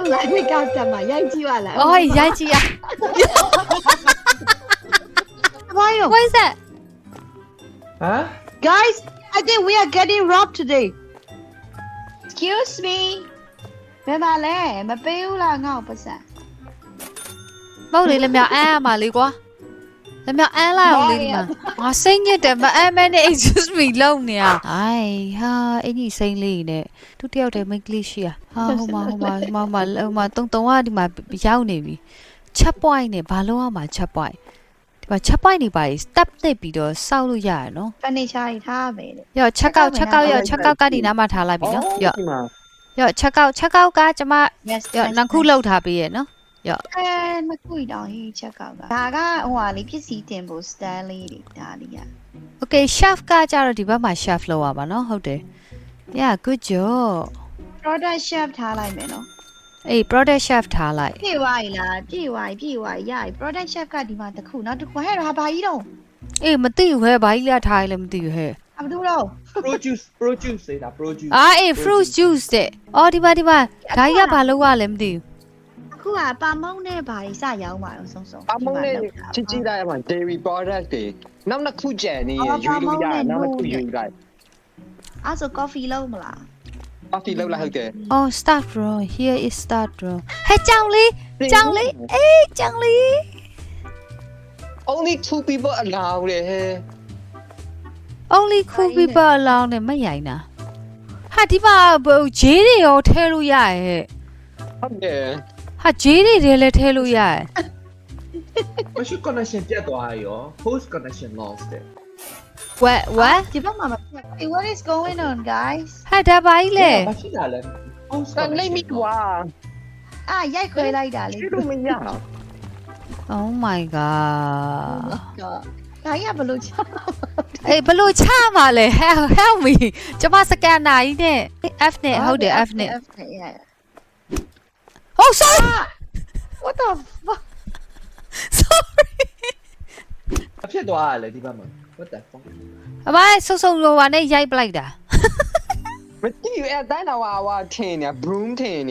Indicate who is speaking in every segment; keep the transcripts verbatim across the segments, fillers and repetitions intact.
Speaker 1: လိုက်မိကောက်တက်မှာရိုက်ကြည့်ပါလား
Speaker 2: Oh, Yajiya. What is that?
Speaker 3: Huh?
Speaker 1: Guys, I think we are getting robbed today.
Speaker 4: Excuse me ဘယ်ပါလဲမပေးဘူးလားငါ့ကိုပတ်စံ
Speaker 2: Màu này là mèo A mà lý quá. Là mèo A là không lý mà. Nó xinh như thế mà em em này excuse me lông nè. Ai ha, anh gì xinh lì nè. Tiếp theo thì mình cliché à. Ha, không mà không mà mà mà mà tông tông á đi mà bị giao nè bị. Chắp boy nè, bà lâu mà chắp boy. Mà chắp boy nè bà step nè bị đó sao luôn vậy nó.
Speaker 4: ဖန်နေချာရီထားမယ်လေ
Speaker 2: Yo check out check out yo check out cái đi nào mà thả lại bị nó. Yo yo check out check out cái cho mà
Speaker 4: Yes
Speaker 2: yo năng khu lâu thả bị nó. Yo
Speaker 4: အဲမကွေတောင်ဟေးချက်ကောက်ကဒါကဟိုဟာလေးဖြစ်စီတင်ဖို့ stand လေးတွေဒါလေးက
Speaker 2: Okay chef ကကြတော့ဒီဘက်မှာ chef လောက်ရပါเนาะဟုတ်တယ် Yeah good job
Speaker 4: product chef ထားလိုက်မယ်နော်
Speaker 2: အေး product chef ထားလိုက်
Speaker 4: ပြေဝါရီလားပြေဝါရီပြေဝါရီရပြီ product chef ကဒီမှာတစ်ခုနောက်တစ်ခုဟဲ့ဟာဘာကြီးတော့
Speaker 2: အေးမသိဘူးဟဲ့ဘာကြီးလဲထားရလဲမသိဘူးဟဲ့
Speaker 4: အဘဒူတော့
Speaker 3: Produce, produce ဆိုတာ produce.
Speaker 2: အာအေး fruit juice တဲ့အော်ဒီမှာဒီမှာဒါကြီးကဘာလောက်ရလဲမသိဘူး
Speaker 4: အခုကပါမုံနဲ့ဘာကြီးစရောင်းပါအောင်ဆုံးဆုံး
Speaker 5: အမုန်းနဲ့ချစ်ချစ်တိုင်းမှာ dairy product တွေနောက်နှစ်ခုကျန်နေရယူလို့ရတယ်နောက်နှစ်ခုယူလိုက်
Speaker 4: အဲ့ဆို coffee လုံးမလား
Speaker 5: coffee လောက်လိုက်ဟုတ်တယ်
Speaker 2: Oh start bro here is start bro ဟဲ့ကြောင်လေးကြောင်လေးအေးကြောင်လေး
Speaker 5: only two people allowed လေဟဲ့
Speaker 2: only cool people alone နဲ့မရိုင်တာဟာဒီမှာဂျေးတွေရောထဲလို့ရရဲ့
Speaker 5: ဟုတ်တယ်
Speaker 2: ဟာဂျေးတွေလည်းထဲလို့ရရဲ့
Speaker 3: မရှိ connection ပြတ်သွားရော host connection lost တဲ့
Speaker 2: What what
Speaker 4: ဒီဘက်မှာမပြတ် Hey what is going on guys
Speaker 2: ဟာဒါပါကြီးလေ
Speaker 3: မရှိတာလဲ host
Speaker 5: အဲ့လိမ့်မိကွာ
Speaker 4: အာရိုက်ခွဲလိုက်တာလေ
Speaker 5: ရှိလို့မရအောင်
Speaker 2: Oh my god
Speaker 4: ဒါကြီးကဘလို့ချ
Speaker 2: အေးဘလို့ချမှာလဲ help help me ကျမစကန်နာကြီးနဲ့ F နဲ့ဟုတ်တယ် F နဲ့
Speaker 4: F နဲ့ yeah
Speaker 2: Oh sorry
Speaker 4: What the fuck
Speaker 2: sorry
Speaker 3: ဖြစ်သွားရလေဒီဘက်မှာ what the fuck
Speaker 2: အမဆုပ်ဆုပ်လောပါနဲ့ရိုက်ပလိုက်တာ
Speaker 5: မကြည့်အဲ့တိုင်းတော့ဟာဟာထင်းနေ broom ထင်းနေ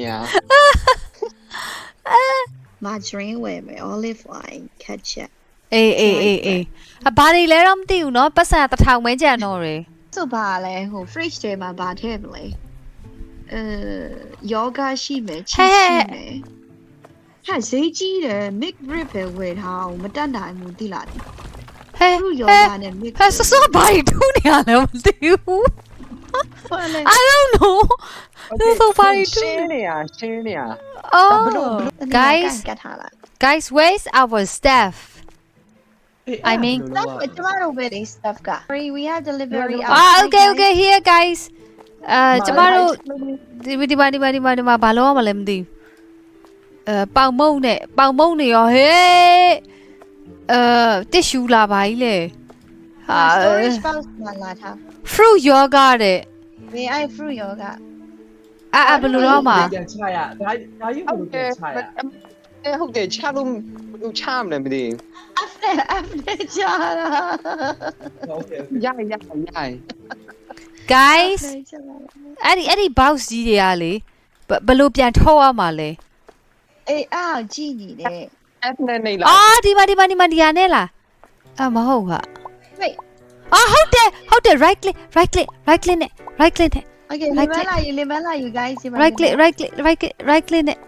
Speaker 4: margarine ဝယ်မယ် olive oil ketchup
Speaker 2: အေးအေးအေးအေးအဘာတွေလဲတော့မသိဘူးเนาะပတ်စံတစ်ထောင်ပဲကြံတော့တယ်
Speaker 4: ဆိုပါလဲဟို fridge ထဲမှာဘာထည့်မလဲအဲ yoga ရှိမယ် cheese ရှိမယ်ဟာဈေးကြီးတယ် mix rib ပဲဝယ်ထားအောင်မတက်နိုင်ဘူးသိလား
Speaker 2: ဟဲ့
Speaker 4: သူ့ yoga နဲ့ mix
Speaker 2: ဟဲ့ဆောဆောဘာတွေထူးနေရလဲမသိဘူး I don't know ဆောဘာတွေထူး
Speaker 5: ရှင်းနေရရှင်းနေရ
Speaker 2: Oh guys
Speaker 4: ကတ်ထားလိုက်
Speaker 2: guys where's our staff I mean
Speaker 4: တော့ကျမတို့ပဲလေ stuff က free we have delivery
Speaker 2: Ah okay okay here guys အဲကျမတို့ဒီဒီပါဒီပါဒီပါဒီပါဘာလို့မလဲမသိဘူးအဲပေါင်မုံနဲ့ပေါင်မုံနေရောဟေးအဲတစ်ရှူလာပါကြီးလေဟာ
Speaker 4: storage box မှာလာထား
Speaker 2: fruit yoga တဲ့
Speaker 4: ဘယ်အဲ့ fruit yoga
Speaker 2: အာအာဘယ်လိုတော့မှာ
Speaker 3: ပြန်ချရဒါဒါကြီးဘယ်လိုပြန်ချရ
Speaker 5: အဲ့ဟုတ်တယ်ချလို့ဟိုချမလဲမသိ
Speaker 4: after after ကြာ
Speaker 3: okay
Speaker 5: ရရရရ
Speaker 2: guys အဲ့ဒီအဲ့ဒီ box ကြီးတွေကလေဘယ်လိုပြန်ထုတ်ရမှာလဲ
Speaker 4: အေးအားကြည့်နေတယ်
Speaker 5: F နဲ့နေလား
Speaker 2: အော်ဒီမှာဒီမှာဒီမှာဒီရနဲ့လားအမဟုတ်ဟာ
Speaker 4: wait
Speaker 2: အော်ဟုတ်တယ်ဟုတ်တယ် right click right click right click နဲ့ right click နဲ့
Speaker 4: okay လေမလာ you လေမလာ you guys
Speaker 2: right click right click right click right click နဲ့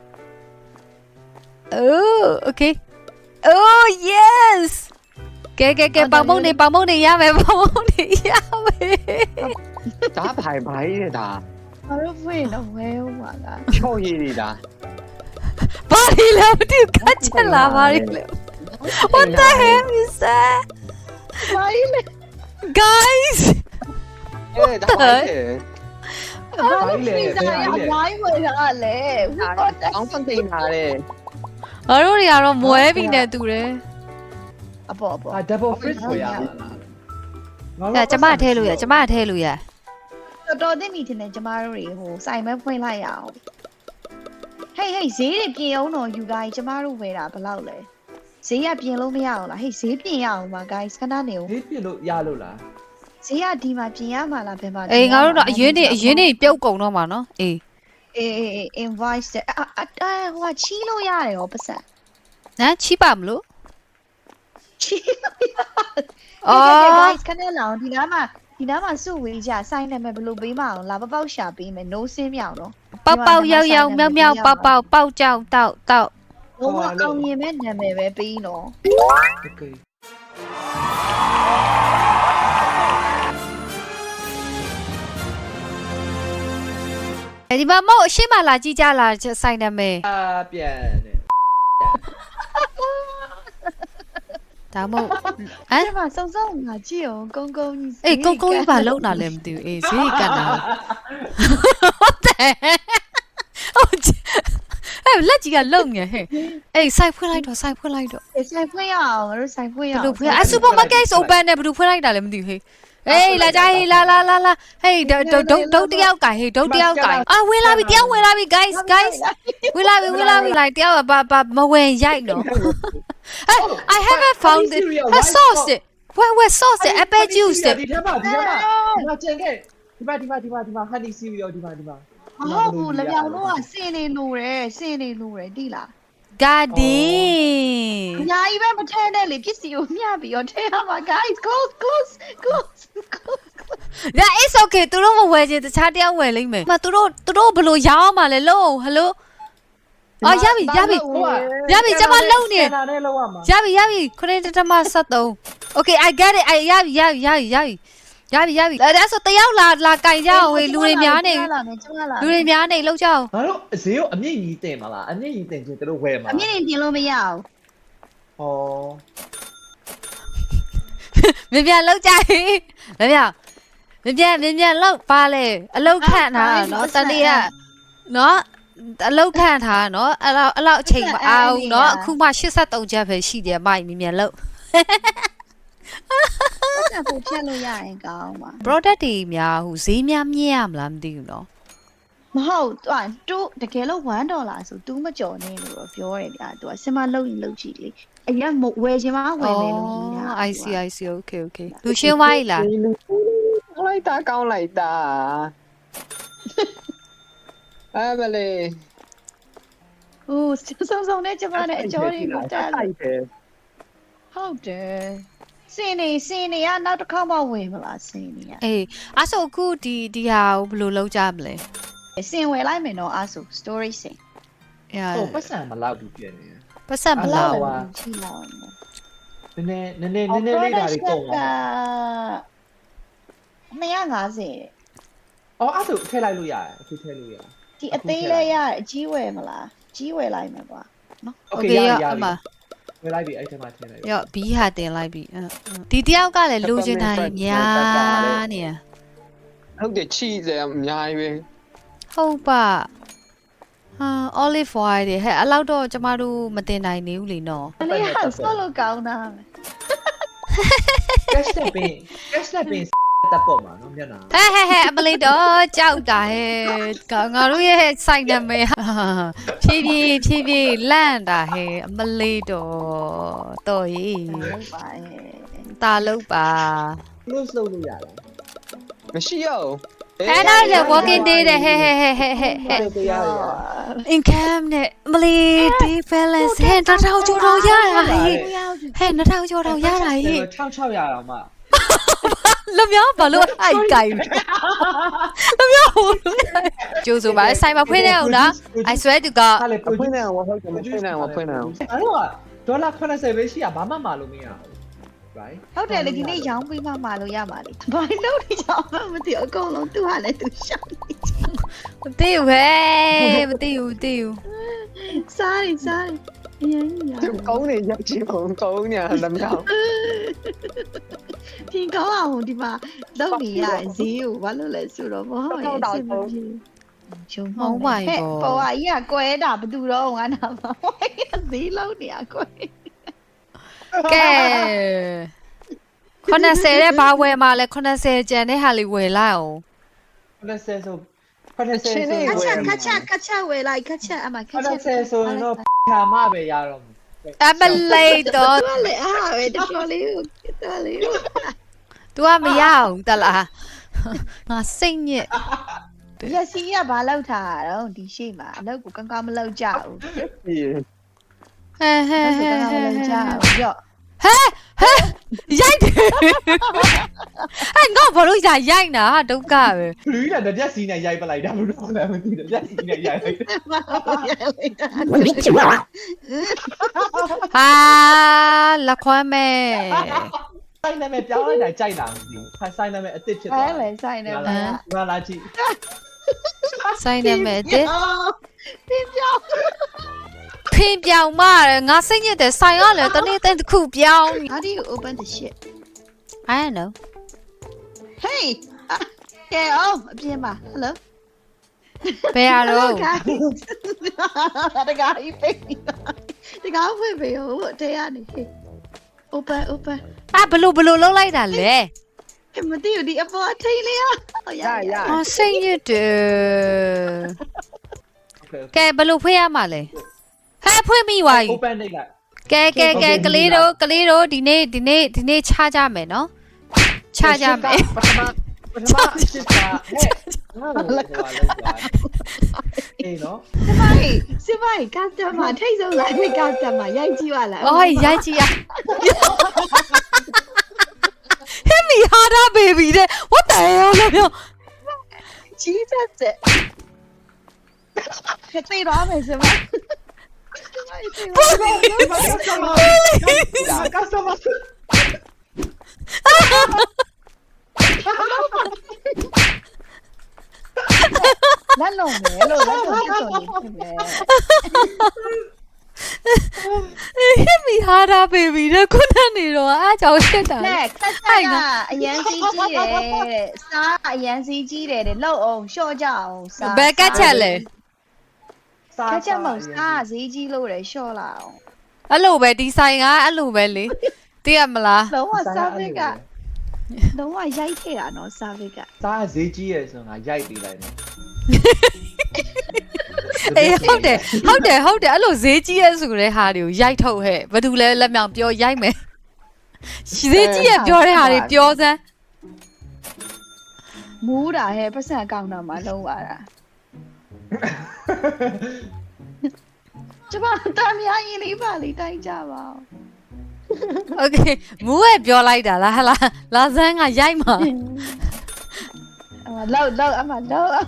Speaker 2: Oh okay Oh yes ကဲကဲကဲပေါင်မုံနေပေါင်မုံနေရမယ်ပေါင်မုံနေရမယ်
Speaker 5: ဒါဘာဘာရေးတာ
Speaker 4: ဘာလို့ဖွင့်တော့ဝဲဦးမှာလား
Speaker 5: ချော့ရည်နေတာ
Speaker 2: ဘာလဲလဲမသိခက်ချက်လာပါလေ What the hell is that
Speaker 4: ဘာလဲ
Speaker 2: Guys
Speaker 5: အဲဒါဘာလဲ
Speaker 4: ဘာလို့ဖွင့်စားရဝိုင်းဝဲတာလဲ
Speaker 5: အောင်းဖန်သိနေတာလေ
Speaker 2: ငါတို့တွေကတော့မွဲပြီနဲ့တူတယ်
Speaker 4: အပေါ်အပေါ်
Speaker 3: အာ double fridge ဆိုရမှာလား
Speaker 2: အဲကျမထဲလို့ရကျမထဲလို့ရ
Speaker 4: တော်တော်သိမိတင်တယ်ကျမတို့တွေဟိုစိုင်မဲဖွင့်လိုက်ရအောင် Hey hey ဈေးတွေပြင်အောင်တော့ you guys ကျမတို့ဝယ်တာဘယ်လောက်လဲဈေးကပြင်လို့မရအောင်လား Hey ဈေးပြင်ရအောင်ပါ guys ခဏနေဦး
Speaker 3: ဒီပြလို့ရလို့လား
Speaker 4: ဈေးကဒီမှာပြင်ရမှာလားဘယ်မှာ
Speaker 2: အေးငါတို့တော့အရင်နေအရင်နေပြုတ်ကုန်တော့မှာနော်အေး
Speaker 4: အေးအေး invite တဲ့အာအာဟိုကချီးလို့ရတယ်ရောပတ်စံ
Speaker 2: နမ်ချီပါမလို့
Speaker 4: ချီးလို့ရ
Speaker 2: အော်
Speaker 4: guys ခဏလောင်ဒီနားမှာဒီနားမှာစုဝေးကြစိုင်းနေမယ်ဘယ်လိုပေးမအောင်လာပပောက်ရှာပေးမယ် no စင်းမြောင်တော့
Speaker 2: ပေါက်ပေါက်ရောက်ရောက်မြောက်မြောက်ပေါက်ပေါက်ပေါက်ကြောက်တောက်တောက်
Speaker 4: ဘုံအောင်မြင်မဲ့နာမည်ပဲပေးနော်
Speaker 3: Okay.
Speaker 2: ဒီမှာမဟုတ်အရှိမလာကြည့်ကြလာဆိုင်နာမည်
Speaker 3: 啊，变的。
Speaker 2: ဒါမဟုတ်ဟမ်
Speaker 4: အဲ့မှာစုံစုံငါကြည့်အောင်ကုန်းကုန်းကြီး
Speaker 2: အေးကုန်းကုန်းကြီးပါလုံတာလည်းမသိဘူးအေးဈေးကတ်တာဟုတ်တယ်ဟုတ်အဲ့လက်ကြီးကလုံနေဟဲ့အေးဆိုင်ဖွင့်လိုက်တော့ဆိုင်ဖွင့်လိုက်တော့
Speaker 4: ဆိုင်ဖွင့်ရအောင်ငါတို့ဆိုင်ဖွင့်ရ
Speaker 2: ဘ
Speaker 4: အောင်
Speaker 2: ယ်လိုဖွင့်အဆူပါမားကတ် open နဲ့ဘယ်လိုဖွင့်လိုက်တာလဲမသိဘူးဟေးအေးလာကြဟေးလာလာလာလာဟေးဒုတ်ဒုတ်ဒုတ်တယောက်ကဟေးဒုတ်တယောက်ကအာဝင်လာပြီတယောက်ဝင်လာပြီ guys guys ဝင်လာပြီဝင်လာပြီလိုက်တယောက်ကဘာဘာမဝင်ရိုက်တော့ I haven't found it a sauce it where where sauce it apple juice it
Speaker 3: ဒီထဲမှာဒီထဲမှာဒီမှာကျန်ခဲ့ဒီမှာဒီမှာဒီမှာဒီမှာ honey cereal ဒီမှာဒီမှာ
Speaker 4: မဟုတ်ဘူးလက်ပြောင်တော့စင်နေလို့ရယ်စင်နေလို့ရယ်တိလား
Speaker 2: garden
Speaker 4: အများကြီးပဲမထဲနဲ့လေပစ္စည်းကိုမျှပြီးတော့ထဲရမှာ guys close close close close
Speaker 2: that is okay သူတို့မဝယ်ချင်တခြားတယောက်ဝယ်လိမ့်မယ်မသူတို့သူတို့ဘယ်လိုရောင်းမှာလဲလို့ hello အော်ရပြီရပြီရပြီကျမလုံနေ
Speaker 3: နာနဲ့လောက်ရမှာ
Speaker 2: ရပြီရပြီခရစ်တမဆက်သုံး okay I get it I ရပြီရပြီရပြီရပြီရပြီရပြီအဲ့ဒါဆိုတယောက်လာလာကင်ကြအောင်ဝေလူတွေများနေ
Speaker 4: လာမယ်ကျမလာ
Speaker 2: လူတွေများနေလောက်ကြအောင်
Speaker 3: ငါတို့ဈေးကိုအမြင့်ကြီးတင်မလားအမြင့်ကြီးတင်ချင်းတို့ဝယ်မှာ
Speaker 4: အမြင့်နေတင်လို့မရအောင်
Speaker 3: ဟော
Speaker 2: မြင်မြန်လောက်ကြဟေးမြင်မြန်မြင်မြန်မြင်မြန်လောက်ပါလေအလောက်ခန့်ထားနော်တနေ့ကနော်အလောက်ခန့်ထားနော်အဲ့လောက်အဲ့လောက်အချိန်မအောင်နော်အခုမှeighty-threeချက်ပဲရှိတယ်မိုက်မြင်မြန်လောက်
Speaker 4: ဆက်ဖို့ဖြတ်လို့ရရင်ကောင်းပါ
Speaker 2: product တွေများဟိုဈေးများမြင့်ရမလားမသိဘူးနော်
Speaker 4: မဟုတ်သူက2တကယ်လို့one dollar ဆို2မကြော်နေလို့တော့ပြောတယ်ဗျာသူကစင်မလုံးရင်လုံးကြည့်လေအရင်ဝယ်ချင်မှဝယ်မယ်လို့ကြီးတာ
Speaker 2: I see I see okay okay လူရှင်းဝိုင်းလား
Speaker 5: လိုက်တာကောင်းလိုက်တာအဲ့မလေး
Speaker 4: ဟိုစုံစုံနဲ့ကျမနဲ့အကျော်တွေကိုတက်
Speaker 5: လိုက်တယ်
Speaker 4: ဟုတ်တယ်စင်နေစင်နေကနောက်တစ်ခါမှဝင်မလားစင်နေက
Speaker 2: အေးအဲ့ဆိုအခုဒီဒီဟာကိုဘယ်လိုလုပ်ကြမလဲ
Speaker 4: စင်ဝယ်လိုက်မယ်နော်အဲ့ဆို story စင်
Speaker 2: အဲ
Speaker 3: ဟိုပတ်စံမလောက်ဘူးပြင်နေ
Speaker 2: ပတ်ဆက်မလား
Speaker 3: ဟုတ်ပါ
Speaker 4: ကြည့်လောက်
Speaker 3: နည်းနည်းနည်းနည်းနည်းနည်းလေးဒါလေးကုန်ပါ
Speaker 4: 250
Speaker 3: အော်အဲ့ဒါထည့်လိုက်လို့ရတယ်အခုထည့်လို့ရတယ်
Speaker 4: ဒီအသေးလေးရအကြီးဝယ်မလားကြီးဝယ်လိုက်မယ်ကွာ
Speaker 3: Okay ရရရ
Speaker 2: အမ
Speaker 3: ဝယ်လိုက်ပြီအဲ့ထဲမှာထည့်လိုက်
Speaker 2: ရော့ဘီဟာတင်လိုက်ပြီဒီတယောက်ကလည်းလိုချင်တာများနေ
Speaker 5: ဟုတ်တယ်ချီစရာအများကြီးပဲ
Speaker 2: ဟုတ်ပါဟာ olive oil တွေဟဲ့အဲ့လောက်တော့ကျမတို့မတင်နိုင်နေဘူးလေနော်
Speaker 4: အလေးဟာဆောလို့ကောင်းတာ
Speaker 3: cash နဲ့ပင် cash နဲ့ပင်တက်ပေါ်မှာနော်မျက်နှာ
Speaker 2: ဟဲ့ဟဲ့ဟဲ့အမလေးတော့ကြောက်တာဟဲ့ငါတို့ရဲ့စိုက်နာမည်ဖြည်းဖြည်းဖြည်းဖြည်းလန့်တာဟဲ့အမလေးတော့တော်ရေး
Speaker 4: ဟုတ်ပါရဲ့
Speaker 2: ตาလုံးပါ
Speaker 3: close လုပ်လို့ရတယ်
Speaker 5: မရှိရအောင်
Speaker 2: အဲ့ဒါလေ walking day တဲ့ဟဲ့ဟဲ့ဟဲ့ဟဲ့ဟဲ့ဟဲ့
Speaker 3: ဟုတ်တယ်ရတယ်
Speaker 2: income နဲ့အမလေး day balance ဟဲ့တစ်ထောင်ကျော်တော့ရတာဟဲ့ဟဲ့နှစ်ထောင်ကျော်တော့ရတာဟဲ့
Speaker 3: 6600ရအောင်မ
Speaker 2: လျောဘာလို့အိုက်ကိုင်လျောကျိုးဆိုပါဆိုင်မှာဖွင့်နေအောင်လား I swear to god
Speaker 3: ဟာလေ
Speaker 5: ဖွင့်နေအောင်ဟုတ်တယ်ဖွင့်နေအောင်ဖွင့်နေအောင်
Speaker 3: အဲ့တော့ဒေါ်လာ80ပဲရှိရဘာမှမလို့မရဘူး right
Speaker 4: ဟုတ်တယ်လေဒီနေ့ရောင်းပေးမှမလို့ရပါလေဘာလို့ဒီကြောင်မသိအကုန်လုံးသူ့ဟာလည်းသူရှောက်နေချ
Speaker 2: မသိဘူးဟဲ့မသိဘူးမသိဘူး
Speaker 4: စားနေစားနေအရင်ကြီးရ
Speaker 5: သူကောင်းနေရချင်အောင်ကောင်းနေတယ်မြောက်
Speaker 4: ပြင်ကောင်းအောင်ဒီမှာလောက်နေရဈေးကိုဘာလို့လဲဆိုတော့မဟုတ်ရဲ့အဆင်မပြေဂျုံမောင်းပါရဲ့ပေါ်ကကြီးကကွဲတာဘယ်သူတော့ငါနာမှာဈေးလောက်နေရကွဲ
Speaker 2: ကဲ80တဲ့ဘာဝယ်မှာလဲ80ကျန်တဲ့ဟာလေးဝယ်လိုက်အောင်
Speaker 3: 80ဆို80ဆို
Speaker 4: ခက်ချက်ခက်ချက်ခက်ချက်ဝယ်လိုက်ခက်ချက်အမခက်ချက်
Speaker 3: 80ဆိုရင်တော့ခါမပဲရတော့
Speaker 2: အမလေးတော့
Speaker 4: တော်လေအားပဲတော်လေးတော်လေး
Speaker 2: तू ကမရအောင်တလားငါစိတ်ညစ်
Speaker 4: ရက်စီကဘာလောက်ထားတာတော့ဒီရှိမှာအလောက်ကိုကောင်းကောင်းမလောက်ကြဘူး
Speaker 2: ဟဲဟဲ
Speaker 4: အဲ့
Speaker 2: ဟဲ
Speaker 4: ဒါကောင်းကောင်းမလောက်ကြဘူးရော့
Speaker 2: ဟဲဟဲရိုက်တယ်ဟဲငါဘာလို့ရရိုက်နာဒုက္ခပဲ
Speaker 3: လူကြီးကတပြက်စီနဲ့ရိုက်ပလိုက်တာဘယ်လိုလဲမသိဘူးတပြက်စီနဲ့ရိုက်လိုက်တယ်
Speaker 2: ဟာလက်ခွမ်းမဲ့
Speaker 3: ဆိုင်နာမည်ပြောင်းလိုက်တာကြိုက်တာမသိဘူးဆိုင်နာမည်အစ်စ်ဖြစ်သွား
Speaker 4: အဲ့လေဆိုင်နေမှာ
Speaker 3: ငါလာကြည့်
Speaker 2: ဆိုင်နေမဲ့တဲ့
Speaker 4: ပြပြောင်း
Speaker 2: ဖင်ပြောင်မရငါစိတ်ညစ်တယ်ဆိုင်ရလေတနေ့တဲ့တစ်ခုပြောင်း
Speaker 4: How do you open the shit
Speaker 2: I don't know
Speaker 4: Hey ကဲအောင်အပြင်ပါ Hello
Speaker 2: ဘယ်ရတော့
Speaker 4: တကားကြီးပိတ်တကားဖွင့်ပေးဦးတဲရနေ Open open
Speaker 2: အာဘလို့ဘလို့လုံးလိုက်တာလဲ
Speaker 4: မသိဘူးဒီအပေါ်ထိန်လေးရ
Speaker 5: ရရ
Speaker 2: အော်စိတ်ညစ်တယ်ကဲဘလို့ဖွင့်ရမှာလဲဟဲ့ဖွင့်မိသွားပြီ
Speaker 3: open နေလိုက်က
Speaker 2: ဲကဲကဲကလေးတို့ကလေးတို့ဒီနေ့ဒီနေ့ဒီနေ့ခြားကြမယ်နော်ခြားကြမယ်
Speaker 3: ပထမပထမအစ်စ်ကဟဲ့ငါလည်းလောက်သွားအေးနော်
Speaker 1: စမိုင်းစမိုင်းကတ်တမထိတ်ဆုံးလိုက်ကတ်တမရိုက်ကြည့်ပါလား
Speaker 2: အော်ရိုက်ကြည့်ရ Hit me harder baby တဲ့ What the hell လဲပြော
Speaker 4: Jesus ခက်သေးတော့မယ်စမိုင်း
Speaker 3: ကစမ
Speaker 4: လက်လုံးမယ်လို့လက်လုံးပြတ်တော်နေဖြစ်မယ်
Speaker 2: Hit me harder baby တဲ့ခုနနေတော့အားကြောင့်ရှစ်တာ
Speaker 4: နဲ့ခက်ဆိုင်ကအရန်စီးကြီးတယ်တဲ့စားအရန်စီးကြီးတယ်တဲ့လောက်အောင်ရှော့ကြအောင်စား
Speaker 2: ဘယ်ကတ်ချက်လဲ
Speaker 4: ခက်ချက်မဟုတ်စားဈေးကြီးလို့တယ်ရှော့လာအောင်
Speaker 2: အဲ့လိုပဲဒီဆိုင်ကအဲ့လိုပဲလေသိရမလား
Speaker 4: လုံးဝစားဗစ်ကလုံးဝရိုက်ခဲ့တာနော်စားဗစ်က
Speaker 3: စားဈေးကြီးရယ်ဆိုငါရိုက်ပေးလိုက်နော်
Speaker 2: အေးဟုတ်တယ်ဟုတ်တယ်ဟုတ်တယ်အဲ့လိုဈေးကြီးရဲဆိုတဲ့ဟာတွေကိုရိုက်ထုတ်ဟဲ့ဘာတူလဲလက်မြောင်ပြောရိုက်မယ်ဈေးကြီးရဲပြောတဲ့ဟာတွေပြောစမ်း
Speaker 4: မူးတာဟဲ့ပတ်စံကောင်းတော့မှလုံးဝတာကျမတားများရင်လေးပါလေးတိုင်းကြပါဦး
Speaker 2: โอเคမူးရဲ့ပြောလိုက်တာလားဟလားလာစမ်းကရိုက်မှာ
Speaker 4: အမလောက်လောက်အမလောက်
Speaker 2: ဟမ်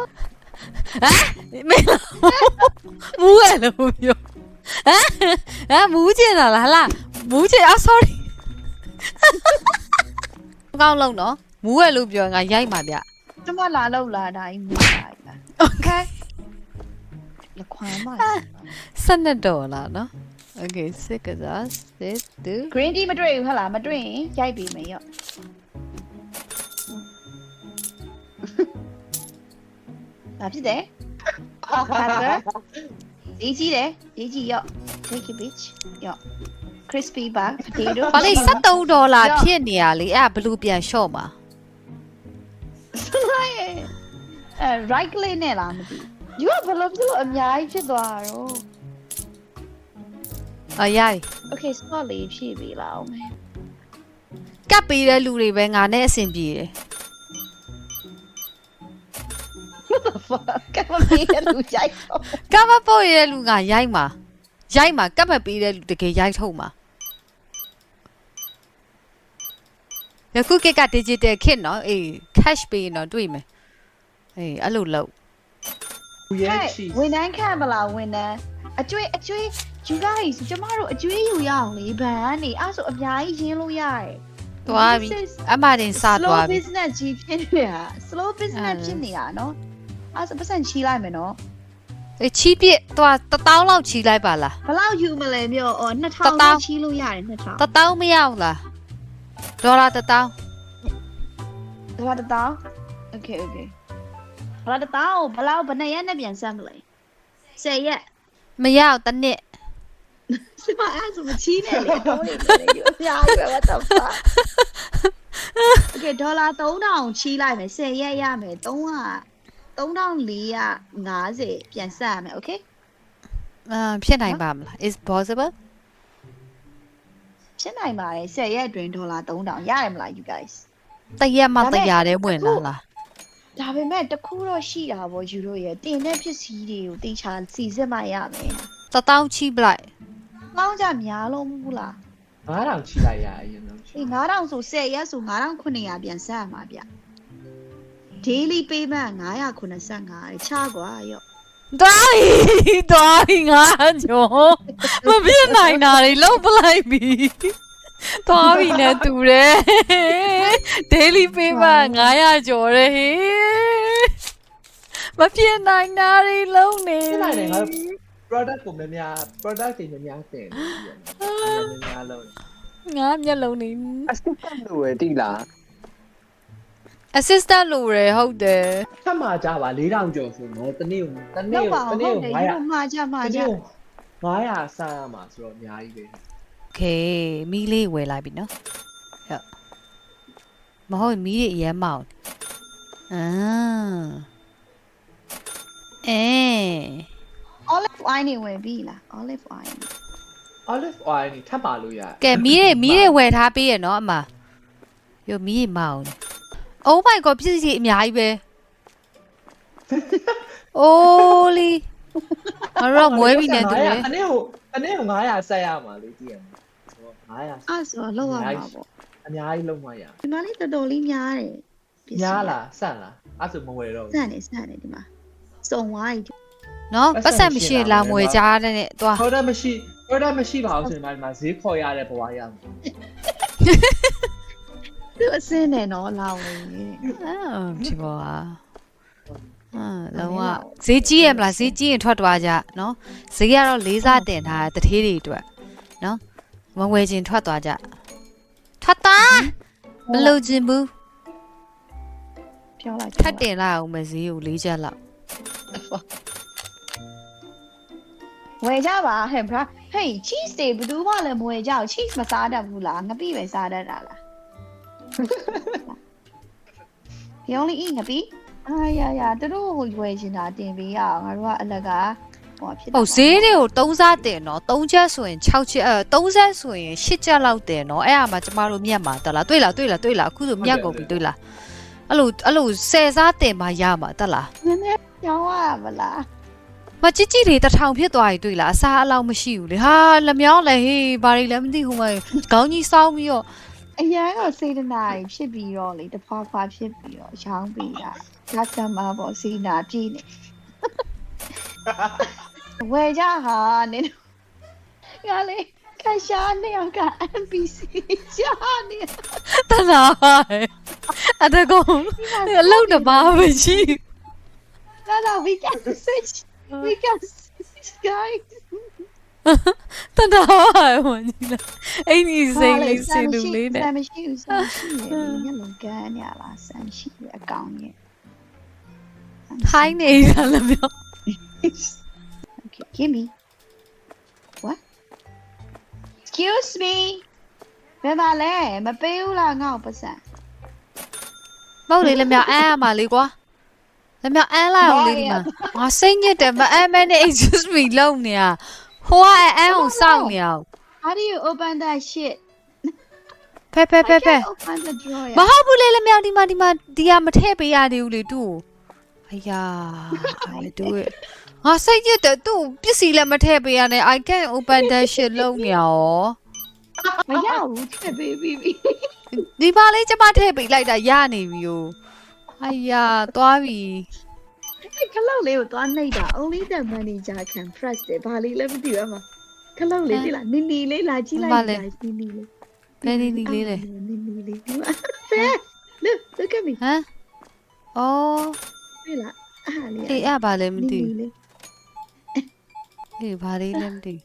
Speaker 2: မင်းမူးရဲ့လို့ပြောဟမ်ဟမ်မူးကျင်တာလားဟလားမူးကျင်อ่ะ sorry ကောင်းလုံးနော်မူးရဲ့လို့ပြောငါရိုက်မှာဗျ
Speaker 4: ကျမလာလောက်လာတာကြီးမူးတာကြီးလား
Speaker 2: okay
Speaker 4: လခွမ်းမ
Speaker 2: စနစ်တော်လားနော် okay စစ်ကစားစစ်တူ
Speaker 4: green tea မတွေ့ဘူးဟဟလားမတွေ့ရင်ရိုက်ပြီးမယ်ရော့ဘာဖြစ်တယ်ဟာတာဒီကြီးတယ်ဒီကြီးရော့ take it bitch ရော့ crispy bag potato
Speaker 2: ဘာလဲsevenဒေါ်လာဖြစ်နေရလေအဲ့ဘလူးပြန်လျှော့မှာ
Speaker 4: အဲ right click နဲ့လားမသိဘူး you ကဘယ်လိုဖြစ်လို့အများကြီးဖြစ်သွားတာတော့
Speaker 2: အရိုက်
Speaker 4: okay spot လေးဖြည့်ပေးလောက်မယ်
Speaker 2: ကပ်ပေးတဲ့လူတွေပဲငါနဲ့အဆင်ပြေတယ်
Speaker 4: ကမပေးရလူကြိုက်တော့
Speaker 2: ကပ်မပို့ရတဲ့လူကရိုက်မှာရိုက်မှာကပ်မပေးတဲ့လူတကယ်ရိုက်ထုတ်မှာယခုကက digital ခစ်နော်အေး cash ပေးရင်တော့တွေ့မယ်အေးအဲ့လိုလုပ်
Speaker 3: ဘူးရဲ့ချီ
Speaker 4: ဝန်ထမ်းခံမလားဝန်ထမ်းအကျွေးအကျွေး you guys ကျမတို့အကျွေးယူရအောင်လေဘန်ကနေအဲ့ဆိုအများကြီးရင်းလို့ရတယ်
Speaker 2: သွားပြီအမတင်စသွား
Speaker 4: slow
Speaker 2: ပြီ
Speaker 4: business ကြီးဖြစ်နေတာ slow business ဖြစ်နေတာနော်အဲ့ဆိုပတ်စံချီလိုက်မယ်နော်
Speaker 2: အေးချီးပြစ်သွားတစ်တောင်းလောက်ချီးလိုက်ပါလား
Speaker 1: ဘလောက်ယူမလဲမျိုးအော်
Speaker 2: တစ်
Speaker 1: two thousand
Speaker 2: သောင်း
Speaker 1: ချီလို့ရတယ်two thousand
Speaker 2: တစ်တောင်းမရောက်လားဒေါ်လာတစ်တောင်း
Speaker 4: ဘာတတောင်း okay okay ဘာတတောင်းဘလောက်ဘယ်နှစ်ရက်နဲ့ပြန်ဆက်မလဲ
Speaker 1: tenရက်
Speaker 2: မရောက်တစ်နှစ်
Speaker 1: စမအဲ့ဆိုမချီနဲ့လေ
Speaker 4: တော့နေတယ်ယူအများကြီးပဲ what the fuck
Speaker 1: okay ဒေါ်လာthree thousandချီလိုက်မယ်tenရက်ရမယ်300 three thousand four hundred fiftyပြန်ဆက်ရမယ် okay
Speaker 2: အာဖြစ်နိုင်ပါမလား is possible
Speaker 4: ဖြစ်နိုင်ပါတယ်tenရက်အတွင်းဒေါ်လာthree thousandရတယ်မလား you guys
Speaker 2: တရက်မှတရာတဲ့ဝင်လာလား
Speaker 4: ဒါပေမဲ့တခုတော့ရှိတာပေါ့ယူတို့ရဲ့တင်တဲ့ပစ္စည်းတွေကိုတေချာစီစစ်မှရမယ်
Speaker 2: တတောင်းချိပလိုက်
Speaker 4: ။လောင်းကြများလို့မဟုတ်လား
Speaker 3: ငါးထောင်ချိလိုက်ရအရင်ဆုံး
Speaker 4: ။ဒီငါးထောင်ဆိုဆယ်ရက်ဆိုငါးထောင်ခုနှစ်ရာပြန်ဆက်ရမှာဗျ။ daily payment ငါးရာခုနှစ်ဆယ့်ငါးချကွာရော့
Speaker 2: သွားပြီသွားပြီငါကျော်မပြစ်နိုင်တာတွေလုံးပလိုက်ပြီသွားပြီနဲ့တူတယ် daily payment ငါးရာကျော်တယ်ဟေးမပြစ်နိုင်တာတွေလုံးနေ
Speaker 3: ဖြစ်လိုက်တယ်ငါ product ကိုများများ product တွေများများတင်နေပြီများလုံး
Speaker 2: ငါမျက်လုံးနေ
Speaker 5: အစစ်တက်လို့ရတိလား
Speaker 2: assistant လို့ရဟုတ်တယ်
Speaker 3: ထပ်မှာကြပါ၄ထောင်ကျော်ဆိုတော့တနေ့ကိုတနေ့
Speaker 4: လောက်
Speaker 3: ကို
Speaker 4: ပါ
Speaker 3: တ
Speaker 4: အောင်
Speaker 3: နေ့
Speaker 4: ဟုတ်
Speaker 3: ကို
Speaker 4: တယ်
Speaker 3: 900
Speaker 4: ယူတို့မှာကြမှာ
Speaker 3: တ
Speaker 4: ကြ
Speaker 3: နေ့ကို900စမ်းရမှာဆိုတော့အများကြီးပဲ
Speaker 2: โอเคမီးလေးဝယ်လိုက်ပြီနော်ဟုတ်မဟုတ်မီးတွေအရင်မောင်းအာအဲ
Speaker 4: olive oil နေဝင်ပြီလား olive oil
Speaker 3: olive oil นี่ထပ်ပါလို့ရ
Speaker 2: ကဲမီးတွေမီးတွေဝယ်ထားပေးရနော်အမယောမီးတွေမောင်း Oh my god ပြည့်စည်အများကြီးပဲအိုးလီမရောမွေးပြီနဲ့တူတယ်
Speaker 3: တနေ့ကိုတနေ့ကို900ဆက်ရမှာလေကြည့်ရမယ်ဆိုတော့900
Speaker 4: အဲ့ဆိုတော့လောက်ရမှာပေါ့
Speaker 3: အများကြီးလုံးမရ
Speaker 4: ဒီမှာလေးတော်တော်လေးများတယ်ပစ္စည်း
Speaker 3: ညားလားဆန့်လားအဲ့ဆိုမဝယ်တော့
Speaker 4: စနေစနေဒီမှာစုံဝိုင်း
Speaker 2: နော်ပတ်စံမရှိလာမွေကြားတဲ့နဲ့သွား
Speaker 3: ဘူး product မရှိ product မရှိပါဘူးဆိုရင်ဒီမှာဈေးခေါ်ရတဲ့ဘဝရမှာ
Speaker 4: သူအစင်းနဲ့နော်လောင်းနေတယ်
Speaker 2: အာဒီဘောဟာအာလောကဈေးကြီးရမလားဈေးကြီးရင်ထွက်သွားကြနော်ဈေးကတော့လေးစားတင်ထားတဲ့တထေးတွေအတွက်နော်မဝယ်ခြင်းထွက်သွားကြထွက်သွားမလို့ခြင်းဘူး
Speaker 4: ပြောလိုက်
Speaker 2: ထပ်တင်လိုက်အောင်မဈေးကိုလေးချက်လောက်
Speaker 4: ဝယ်ကြပါဟဲ့ bra ဟေး cheese တွေဘယ်သူမှလည်းမဝယ်ကြဘူး cheese မစားတတ်ဘူးလားငပိပဲစားတတ်တာလား You only eat ငပိအာရရသူတို့ဟိုဝယ်ချင်တာတင်ပေးရအောင်ငါတို့ကအလကဟိုဖြစ်
Speaker 2: ဟုတ်ဈေးတွေကိုသုံးစားတင်နော်သုံးချက်ဆိုရင်၆ချက်အဲသုံးဆက်ဆိုရင်၈ချက်လောက်တင်နော်အဲ့အမှာကျမတို့မြတ်မှာတက်လားတွေ့လားတွေ့လားတွေ့လားအခုဆိုမြတ်ကုန်ပြီတွေ့လားအဲ့လိုအဲ့လိုဆယ်စားတင်မှရမှာတက်လား
Speaker 4: နည်းနည်းပြောင်းရမလား
Speaker 2: မကြည့်ကြည့်တွေတထောင်ဖြစ်သွားပြီတွေ့လားအစားအလောက်မရှိဘူးလေဟာလက်မြောင်းလည်းဟေးဘာတွေလည်းမသိဟိုမှာခေါင်းကြီးစောင်းပြီးတော့
Speaker 4: အရန်ကစေတနာကြီးဖြစ်ပြီးတော့လေတဖွာဖွာဖြစ်ပြီးတော့ရောင်းပေးတာဒါစမ်းမှာပေါ့စေနာပြည့်နေဝယ်ကြဟာနင်ငါလေခါရှာနေအောင်က M P C ရှာနေ
Speaker 2: တနာအတကောင်အလုံးတပါမရှိ
Speaker 4: No, no, we can switch. We can switch, guys.
Speaker 2: တနာဝင်လာအဲ့ဒီစိတ်လေးစင်လူလေးနဲ့
Speaker 4: Sam ရှိဦး Sam ရှိနေညလုံးကန်ရလား Sam ရှိအကောင်ရဲ့
Speaker 2: ထိုင်းနေတာလည်းပြော
Speaker 4: Okay, give me. What? Excuse me. ဘယ်မှာလဲမပေးဘူးလားငါ့ကိုပတ်စံ
Speaker 2: မဟုတ်လေလည်းမြောက်အမ်းရမှာလေကွာလည်းမြောက်အမ်းလာအောင်လေဒီမှာငါစိတ်ညစ်တယ်မအမ်းမဲနဲ့ excuse me လုံးနေရဟိုကအမ်းအောင်စောင့်နေအောင်
Speaker 4: How do you open that shit?
Speaker 2: ဖဲဖဲဖဲဖဲ
Speaker 4: I can't open the drawer.
Speaker 2: မဟုတ်ဘူးလေလည်းမြောက်ဒီမှာဒီမှာဒီကမထည့်ပေးရသေးဘူးလေသူ့ကိုအယားတို့ငါစိတ်ညစ်တယ်သူ့ပစ္စည်းလည်းမထည့်ပေးရနဲ့ I can open that shit လုံးနေရော
Speaker 4: မရဘူးထည့်ပေးပြီးပြီ
Speaker 2: ဒီပါလေးကျမထည့်ပေးလိုက်တာရနေပြီ ው အယားသွားပြီ
Speaker 4: ခလောက်လေးကိုသွားနှိပ်တာ only the manager can press တယ်ဘာလေးလည်းမသိဘူးအမခလောက်လေးသိလားနီနီလေးလာကြည့်လိုက်နီနီလေး
Speaker 2: ဘယ်နေနေလေးလဲ
Speaker 4: နီနီလေးဒီမှာ look look at me
Speaker 2: ဟမ်အော်
Speaker 4: တွေ့လားအားလေး
Speaker 2: အေးအဲ့ဘာလဲမ
Speaker 4: နီ
Speaker 2: သိ
Speaker 4: နီ
Speaker 2: ဘူး
Speaker 4: လေး
Speaker 2: အေးဘာလေးလဲမသိဘူး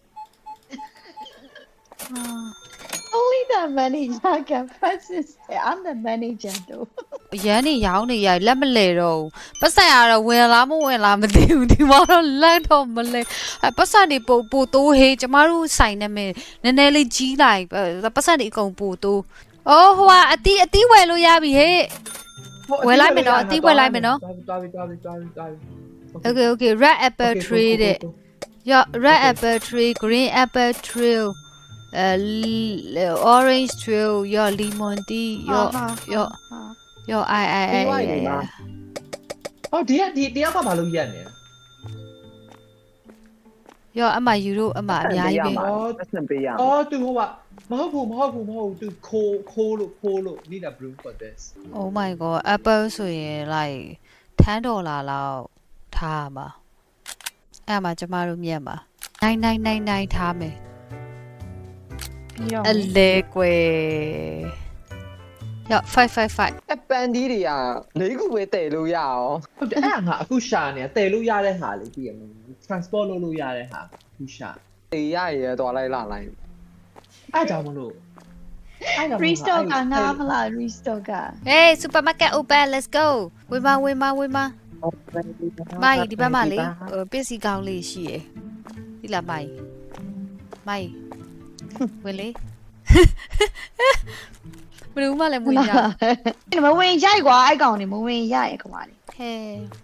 Speaker 2: အာ
Speaker 4: only the manager can press it I'm the manager though
Speaker 2: ရန်နေရောင်းနေရလက်မလဲတော့ပတ်စံရတော့ဝင်လားမဝင်လားမသိဘူးဒီမှာတော့လက်တော့မလဲအပတ်စံတွေပို့ပို့တိုးဟေးကျမတို့ဆိုင်နေမယ်နည်းနည်းလေးကြီးလိုက်ပတ်စံတွေအကုန်ပို့တိုးအော်ဟိုကအတီးအတီးဝယ်လို့ရပြီဟေး ဝယ်လိုက်မယ်နော်အသီးဝယ်လိုက်မယ်နော်
Speaker 3: သွားပြီသွားပြီသွားပြီသွားပြီ
Speaker 2: Okay okay red apple tree တဲ့ Yo red apple tree green apple tree uh orange tree yo lemon tea yo yo yo I I I
Speaker 3: ဟောဒီကဒီတယောက်ကဘာလို့ရက်နေ
Speaker 2: ရောအမယူတို့အမအများကြီးပဲ
Speaker 5: ပတ်စံပေးရမှာ
Speaker 3: အော်သူဟိုကမဟုတ်ဘူးမဟုတ်ဘူးမဟုတ်ဘူးသူခိုးခိုးလို့ခိုးလို့ need a brew for this
Speaker 2: Oh my god Apple ဆိုရင် like ten ဒေါ်လာလောက်ထားမှာအဲ့မှာကျမတို့မြတ်မှာnine nine nine nineထားမယ်
Speaker 4: ပြီးတော့
Speaker 2: အလဲကွယ်ရောfive five five
Speaker 5: အပန်ဒီတွေကလေးခုပဲတည်လို့ရအောင်
Speaker 3: ဟုတ်တယ်အဲ့ငါအခုရှာနေတာတည်လို့ရတဲ့ဟာလေးပြည့်ရမယ် transport လုပ်လို့ရတဲ့ဟာအခုရှာ
Speaker 5: တည်ရရသွားလိုက်လာလိုက်
Speaker 3: အဲ့ကြောင့်မလို့အဲ့ကြောင့်
Speaker 4: restock ကငါမလား restock က
Speaker 2: Hey supermarket open let's go ဝေးမဝေးမဝေးမမိုင်ဒီဘက်မှာလေပစ္စည်းကောင်းလေးရှိရယ်ဒီလားမိုင်မိုင်ဝင်လေဘယ်လိုမှလည်းမဝင်ရ
Speaker 4: မဝင်ရိုက်ကွာအဲ့ကောင်နေမဝင်ရိုက်ကွာလေ
Speaker 2: ဟဲ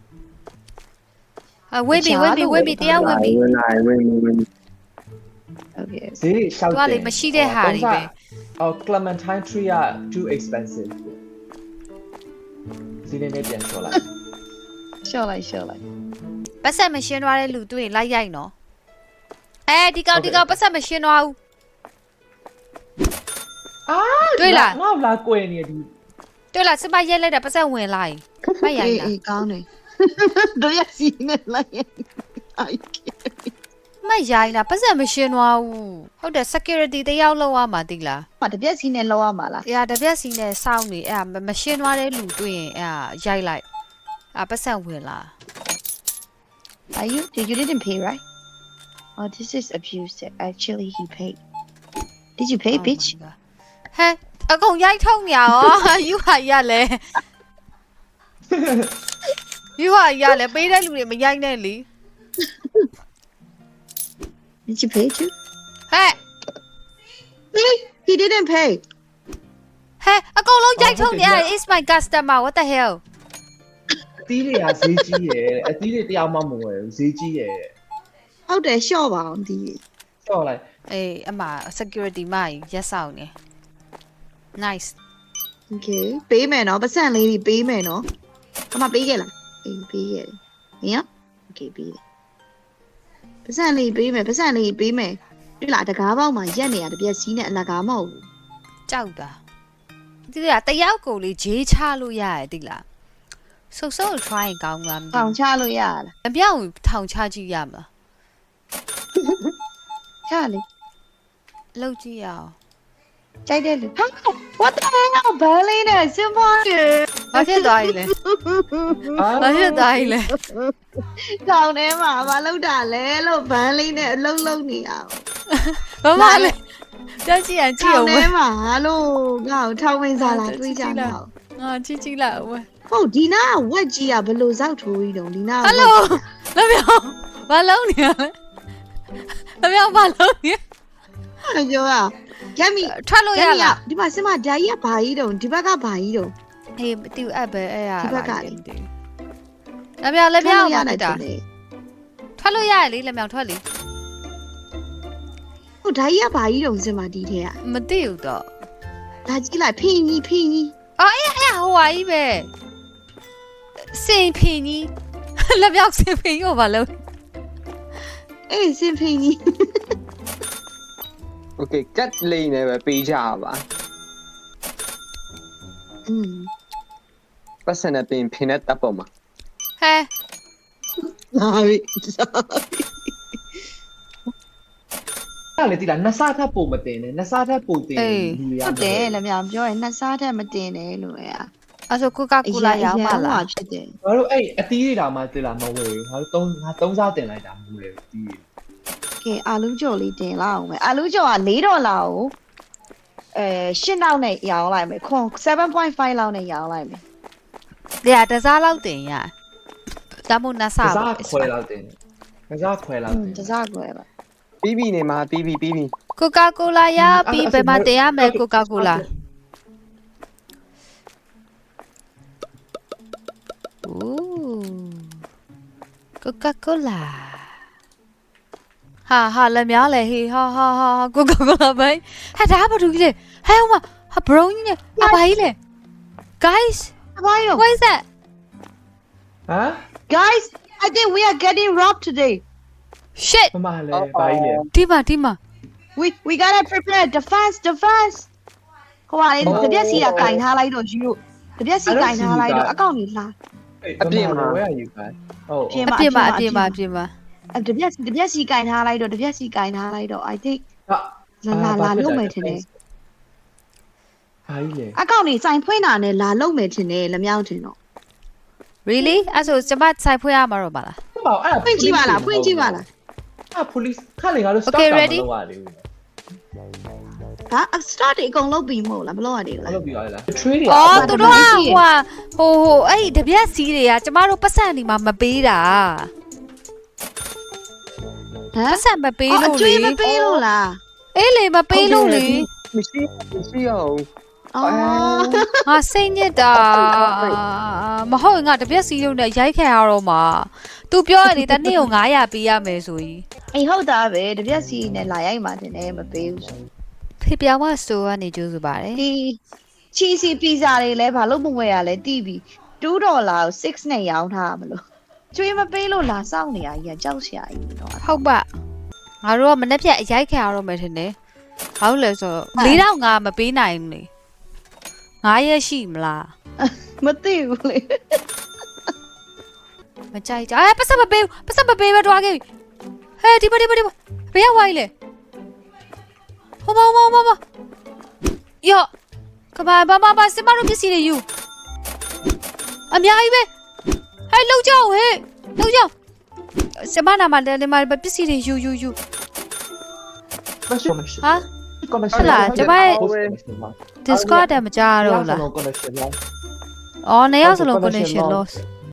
Speaker 2: အဝေးပြီဝေးပြီဝေးပြီတရားဝင်ပြီ
Speaker 5: ဝင်လာဝင်ဝင်
Speaker 4: okay
Speaker 3: ဈေးရှောက်တယ်
Speaker 2: သူကလေမရှိတဲ့ဟာတွေပဲ
Speaker 3: အော် Clementine tree က too expensive စီးနေနေပြန်ချော်လိုက်
Speaker 4: ရှော့လိုက်ရှော့လိုက်
Speaker 2: ပတ်ဆက်မရှင်းသွားတဲ့လူတွေ့ရင်လိုက်ရိုက်နော်အဲဒီကောင်ဒီကောင်ပတ်ဆက်မရှင်းသွားဘူး
Speaker 3: အာ
Speaker 2: တွေ့လား
Speaker 3: ငါ့လာကွယ်နေဒီ
Speaker 2: တွေ့လားစမရက်လိုက်တာပတ်ဆက်ဝင်လာရင်မရိုက်လား
Speaker 4: အေးကောင်းတယ်တို့ရစီနေလိုက်အိုက်
Speaker 2: မရိုက်လားပတ်ဆက်မရှင်းသွားဘူးဟုတ်တယ် security တယောက်လောက်ရမှာတိလား
Speaker 4: မတပြက်စီနဲ့လောက်ရမှာလား
Speaker 2: ။အေးတပြက်စီနဲ့စောင်းနေအဲ့မရှင်းသွားတဲ့လူတွေ့ရင်အဲ့ရိုက်လိုက်။အပတ်ဆက်ဝင်လာ
Speaker 4: Are you did you didn't pay right Oh this is abuse actually he paid Did you pay bitch
Speaker 2: ဟဲ့အကုန်ရိုက်ထုံးညာရောယူဟာရလဲယူဟာရလဲပေးတဲ့လူတွေမရိုက်နဲ့လी
Speaker 4: Did you pay too
Speaker 2: ဟဲ့
Speaker 4: He didn't pay
Speaker 2: ဟဲ့အကုန်လုံးရိုက်ထုံးနေရ is my customer what the hell
Speaker 3: အသီးတွေကဈေးကြီးရယ်အသီးတွေတယောက်မှမဝယ်ဘူးဈေးကြီးရယ်
Speaker 4: ဟုတ်တယ်ရှော့ပါအောင်ဒီ
Speaker 3: ချော်လိုက်
Speaker 2: အေးအမ security မရက်ဆောင်နေ nice
Speaker 4: Okay ပေးမယ်နော်ပတ်စံလေးကြီးပေးမယ်နော်အမပေးခဲ့လားအေးပေးခဲ့တယ်ဟင် Okay ပေးတယ်ပတ်စံလေးပေးမယ်ပတ်စံလေးပေးမယ်တွေ့လားတကားပေါက်မှာရက်နေရတပြက်စီးနဲ့အလကားမဟုတ်ဘူး
Speaker 2: ကြောက်တာဒီကတယောက်ကိုလေဂျေးချလို့ရတယ်တိလားဆုပ်ဆုပ် try ကောင်းလားမသိ
Speaker 4: ထောင်
Speaker 2: ဘူး
Speaker 4: ချလို့ရလား
Speaker 2: အပြောင်းထောင်ချကြည့်ရမလား
Speaker 4: ချလေ
Speaker 2: လောက်ကြည့်ရအောင်
Speaker 4: ကြိုက်တယ်လူဟာ What the hell ဘာလေးနဲ့စင်ပါရ
Speaker 2: ဘာဖြစ်သွားပြီလဲဘာဖြစ်သွားပြီလဲ
Speaker 4: ထောင်ထဲမှာမလုပ်တာလဲလို့ဘန်းလေးနဲ့အလုံးလုံးနေအောင်
Speaker 2: ဘာမှလဲတက်ကြည့်ရင်ကြည့်
Speaker 4: ထော
Speaker 2: အောင်
Speaker 4: င်ထဲမှာလို့ငါ့ကိုထောင်ဝင်စားလာတွေးကြတော့
Speaker 2: ငါကြည့်ကြည့်လိုက်အောင်
Speaker 4: ဟုတ်ဒီနာကဝက်ကြီးကဘယ်လိုစောက်ထိုးကြီးတုံးဒီနာက
Speaker 2: ဟယ်လိုလက်ပြောင်းဘာလုံးနေရလဲလက်ပြောင်းဘာလုံးနေ
Speaker 4: အဲ့ကြောอ่ะရက်မီ
Speaker 2: ထွက်လို့ရလား
Speaker 4: ဒီမှာစမဓာကြီးကဘာကြီးတုံးဒီဘက်ကဘာကြီးတုံး
Speaker 2: ဟေးမတူအပ်ပဲအဲ့ရ
Speaker 4: ဒီဘက်ကလေ
Speaker 2: လက်ပြောင်းလက်ပြောင်း
Speaker 4: ရ
Speaker 2: မ
Speaker 4: တယ်
Speaker 2: တာ
Speaker 4: လေ
Speaker 2: ထွက်လို့ရတယ်လေလက်ပြောင်းထွက်လေ
Speaker 4: ဟုတ်ဓာကြီးကဘာကြီးတုံးစမဒီထဲက
Speaker 2: မသိဘူးတော့
Speaker 4: ဒါကြီးလိုက်ဖင်ကြီးဖင်ကြီး
Speaker 2: အော်အဲ့အဲ့ဟိုဟာကြီးပဲစင်ဖင်ကြီးလက်ပြောင်းစင်ဖင်ကြီးကိုဘာလုံး
Speaker 4: အေးစင်ဖင်ကြီး
Speaker 5: Okay ကတ်လေးနဲ့ပဲပေးကြပါ
Speaker 4: อืม
Speaker 5: ပတ်စံနဲ့ပြင်ဖင်နဲ့တပ်ပေါ်မှာ
Speaker 2: ဟဲ
Speaker 4: လာပြီ
Speaker 3: အဲ့လေတိလားနှစ်စားထပ်ပုံမတင်နဲ့နှစ်စားထပ်ပုံတင်လူရ
Speaker 4: ဟုတ်တယ်လည်းမြောင်ပြောရင်နှစ်စားထက်မတင်နဲ့လို့ရ
Speaker 2: အဲ့ဆိုကိုကာကိုလာရောင်းပါလား
Speaker 4: ဖြစ်တယ်
Speaker 3: ငါတို့အဲ့အသီးတွေတောင်မှတိလားမဝယ်ဘူးငါတို့သုံးငါသုံးစားတင်လိုက်တာမဝယ်ဘူးအသီး
Speaker 4: ကဲအာလူးကြော်လေးတင်လောက်အောင်မယ်အာလူးကြော်က၄ဒေါ်လာကိုအဲ၈နောက်နဲ့ရောင်းလိုက်မယ်ခွန်seven point fiveလောက်နဲ့ရောင်းလိုက်မယ်
Speaker 2: တရားတစားလောက်တင်ရဒါမို့နဆာ
Speaker 3: ကစားခွဲလောက်တင်ကစားခွဲလောက်တင်
Speaker 4: တစားကွယ်ပါ
Speaker 5: ပြီးပြီနေမှာပြီးပြီပြီးပြီ
Speaker 2: ကိုကာကိုလာရပြီးဘယ်မှာတင်ရမယ်ကိုကာကိုလာအိုးကိုကာကိုလာဟာဟာလက်များလေဟေးဟာဟာဟာကိုကာကိုလာဘိုင်ဟာဒါဘာလို့ကြီးလဲဟဲ့ဟိုမှာဟာဘရောင်းကြီးနဲ့အဘာကြီးလဲ guys
Speaker 4: အဘာရော
Speaker 2: what is that
Speaker 3: ဟမ်
Speaker 4: Guys, I think we are getting robbed today.
Speaker 2: shit
Speaker 3: မမလည်းဘာကြီးလဲ
Speaker 2: ဒီမှာဒီမှာ
Speaker 4: We we gotta prepare defense, defense. ဟိုကလေတပြက်စီကကင်ထားလိုက်တော့ယူတပြက်စီကင်ထားလိုက်တော့အကောင့်ကြီးလာ
Speaker 3: အပြင်မှာဝဲရယူခိုင်းဟုတ်
Speaker 4: ပြင်
Speaker 2: အပြင်မှာအပြင်မှာအပြင်မှာ
Speaker 4: အဲ့တပြက်တပြက်စီကင်ထားလိုက်တော့တပြက်စီကင်ထားလိုက်တော့ I think
Speaker 3: ဟာ
Speaker 4: လာလာလာလုံးမယ်ထင်တယ်
Speaker 3: ဘာကြီးလဲ
Speaker 4: အကောင့်ကြီးစိုင်ဖွင့်တာနဲ့လာလုံးမယ်ထင်တယ်လက်မြောက်ထင်တော့
Speaker 2: really အဲ့ဆိုကျမဆိုင်ဖွင့်ရမှာတော့ပါလား
Speaker 3: ဟုတ်ပါအဲ့
Speaker 4: ဖွင့်ကြည့်ပါလားဖွင့်ကြည့်ပါလား
Speaker 3: အာ police ခက်လေငါတို့ stop တာမလုပ်ရသေးဘူး
Speaker 4: ဟာ start အကုန်လုံးပြီးမဟုတ်လားမလုပ်ရသေးဘူး
Speaker 3: မ
Speaker 4: လား
Speaker 3: လုပ်ပြီးရလား trade တွေ
Speaker 2: အော်သူတို့ကဟိုဟိုဟိုအဲ့ဒီတပြက်စီးတွေကကျမတို့ပတ်စံနေမှာမပေးတာ
Speaker 4: ဟမ်
Speaker 2: ပတ်စံမပေး
Speaker 4: အော်အ
Speaker 2: လို့
Speaker 4: ကျွေး
Speaker 2: လေ
Speaker 4: မပေးလို့လား
Speaker 2: အေးလေမပေးလို့လေ
Speaker 5: မရှိမရှိအောင်
Speaker 4: အော်
Speaker 2: ငါစိတ်ညစ်တာမဟုတ်ငါတပြက်စီးလုံးနဲ့ရိုက်ခံရတော့မှာ तू ပြောရတယ်တနေ့ကိုnine hundredပေးရမယ်ဆိုရင်
Speaker 4: အေးဟုတ်တာပဲတပြက်စီနဲ့လာရိုက်မှတင်တယ်မပေးဘူးဆို
Speaker 2: ဖေပြောင်းမစတိုးကနေကြိုးစားပါတယ်
Speaker 4: ဒီချီစီပီဇာတွေလည်းဘာလို့မဝယ်ရလဲတီးပြီးtwoဒေါ်လာကိုsixနဲ့ရောင်းထားရမလို့ကျွေးမပေးလို့လာစောင့်နေရကြီးကကြောက်စရာကြီးတော့
Speaker 2: ဟုတ်ပါငါတို့ကမနေ့ဖြတ်ရိုက်ခံရတော့မယ်ထင်တယ်ဘာလို့လဲဆိုတော့four thousand five hundredမပေးနိုင်ဘူးလေnineရက်ရှိမလား
Speaker 4: မသိဘူးလေ
Speaker 2: မကြိုက်ကြအဲပတ်စံမပေးဘူးပတ်စံမပေးပဲတွားခဲ့ပြီဟဲ့ဒီမဒီမဒီမဘယ်ရောက်သွားလဲဟိုမဟိုမဟိုမယောကဘာဘာဘာဘာစမတို့ပစ္စည်းတွေယူအများကြီးပဲဟဲ့လောက်ကြောက်ဟဲ့လောက်ကြောက်စမနာမလည်းဒီမှာပစ္စည်းတွေယူယူယူ
Speaker 3: connection
Speaker 2: ဟာ
Speaker 3: connection
Speaker 2: လားကျမရဲ့ Discord တမကြတော့လား
Speaker 3: connection လား
Speaker 2: အော်နေရောက်စလုံး connection loss